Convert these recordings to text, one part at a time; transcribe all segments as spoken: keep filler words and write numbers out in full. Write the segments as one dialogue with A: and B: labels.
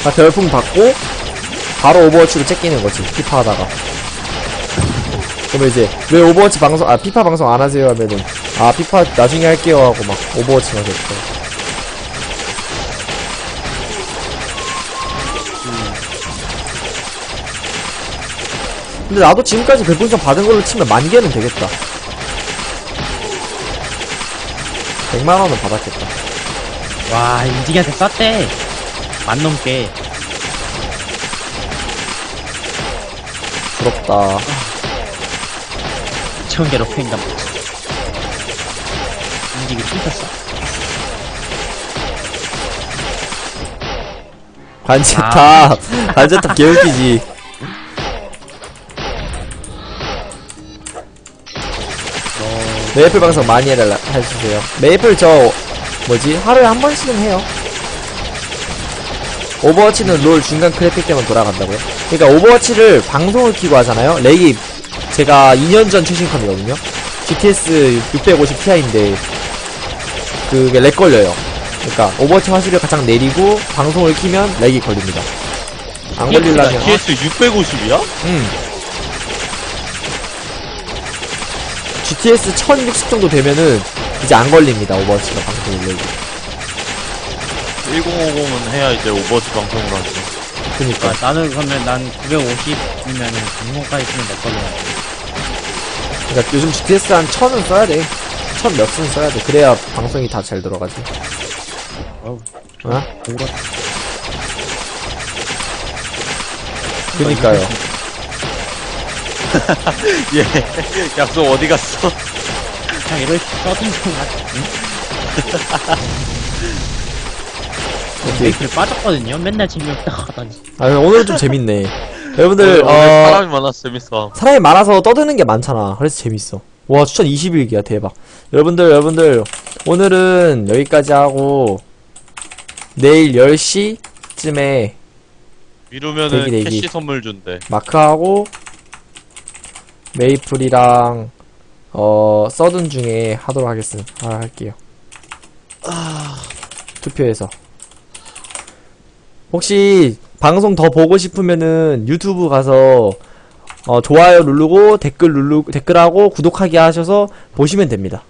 A: 다 별풍 받고 바로 오버워치로 째끼는 거지. 피파 하다가. 그러면 이제 왜 오버워치 방송 아 피파 방송 안 하세요 하면은 아 피파 나중에 할게요 하고 막 오버워치만 됐어. 근데 나도 지금까지 별풍선 받은 걸로 치면 만 개는 되겠다. 백만 원은 받았겠다.
B: 와, 인지기한테 쐈대. 만 넘게.
A: 부럽다.
B: 이천 개로 팬가 보지. 인지기 춤췄어.
A: 관제탑.
B: 아.
A: 관제탑 개웃기지. 메이플 방송 많이 해달라, 해주세요. 메이플 저, 뭐지? 하루에 한 번씩은 해요. 오버워치는 롤 중간 크래픽 때만 돌아간다고요? 그니까 오버워치를 방송을 키고 하잖아요? 렉이 제가 이 년 전 최신컴이거든요? 지티에스 육백오십 티아이인데, 그게 렉 걸려요. 그니까 오버워치 화질을 가장 내리고 방송을 키면 렉이 걸립니다. 안 걸리려면.
C: 티에스 육백오십이야?
A: 응. 지티에스 천육십 정도 되면은 이제 안 걸립니다. 오버워치가 방송을 내고.
C: 천오십은 해야 이제 오버워치 방송을 하지.
A: 그니까.
B: 아, 나는 그러면 난 구백오십이면은 방송까지 쓰면 몇 걸로 나지?
A: 그니까 요즘 지티에스 한 천은 써야 돼. 천 몇은 써야 돼. 그래야 방송이 다 잘 들어가지.
B: 어우,
A: 어?
B: 오라.
A: 그니까요.
C: 예. 약속 어디 갔어?
B: 그냥 이럴 써둔 좀 하지. 메이플 빠졌거든요? 맨날 재미없다 하다니.
A: 아, 오늘은 좀 재밌네. 여러분들,
C: 오늘,
A: 어,
C: 오늘 사람이 많아서 재밌어.
A: 사람이 많아서 떠드는 게 많잖아. 그래서 재밌어. 와, 추천 이십일 기야. 대박. 여러분들, 여러분들, 오늘은 여기까지 하고, 내일 열 시쯤에
C: 미루면은
A: 대기, 대기.
C: 캐시 선물 준대.
A: 마크하고, 메이플이랑 어 서든 중에 하도록 하겠습니다. 아, 할게요. 아... 투표해서 혹시 방송 더 보고 싶으면은 유튜브 가서 어 좋아요 누르고 댓글 누르고 댓글하고 구독하기 하셔서 보시면 됩니다.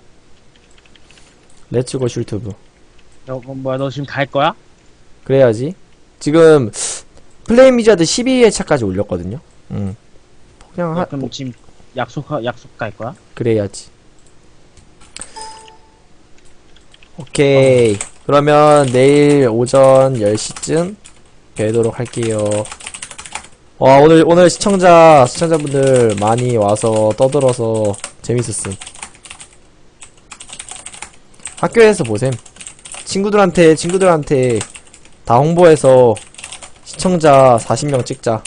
A: 렛츠고 슐튜브.
B: 너, 뭐야, 너 지금 갈 거야?
A: 그래야지. 지금 플레이미자드 십이 회차까지 올렸거든요. 음. 그냥 하,
B: 그럼 지금 약속, 약속 갈 거야?
A: 그래야지. 오케이. 어. 그러면 내일 오전 열 시쯤 뵈도록 할게요. 와, 오늘, 오늘 시청자, 시청자분들 많이 와서 떠들어서 재밌었음. 학교에서 보셈. 친구들한테, 친구들한테 다 홍보해서 시청자 사십 명 찍자.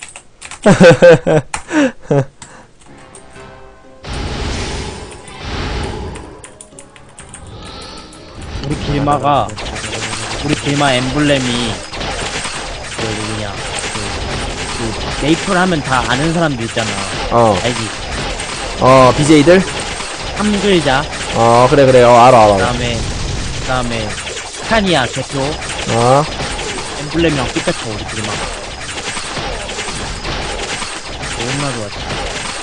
B: 우리 길마가 우리 길마 엠블렘이 그 누구냐 그, 그 메이플 하면 다 아는 사람들 있잖아.
A: 어,
B: 알지?
A: 어, 비제이들?
B: 함글자,
A: 어, 그래, 그래. 어, 알아, 알아.
B: 그다음에 그다음에 스카니아 대표,
A: 어,
B: 엠블렘이랑 피카츄 우리 길마. 너무나 좋았지.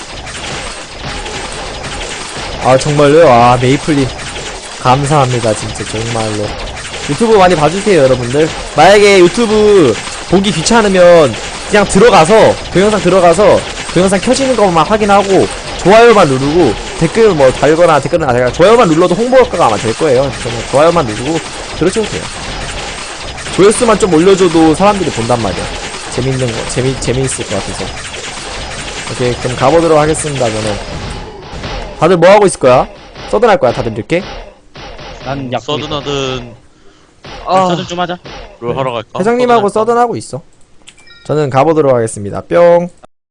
A: 아, 정말로요? 아, 메이플님. 감사합니다, 진짜, 정말로. 유튜브 많이 봐주세요, 여러분들. 만약에 유튜브 보기 귀찮으면 그냥 들어가서, 동영상 들어가서, 동영상 켜지는 것만 확인하고, 좋아요만 누르고, 댓글 뭐 달거나 댓글은 아니라 좋아요만 눌러도 홍보 효과가 아마 될 거예요. 그냥 좋아요만 누르고, 들어줘도 돼요. 조회수만 좀 올려줘도 사람들이 본단 말이야. 재밌는 거, 재미, 재미있을 것 같아서. 오케이, 그럼 가보도록 하겠습니다, 저는. 다들 뭐 하고 있을 거야? 서든 할 거야, 다들 이렇게?
B: 난 약속.
C: 서든하든
A: 아,
B: 서든 좀 하자.
C: 롤 하러 갈까?
A: 회장님하고
C: 서든 할까?
A: 서든 하고 있어. 저는 가보도록 하겠습니다. 뿅.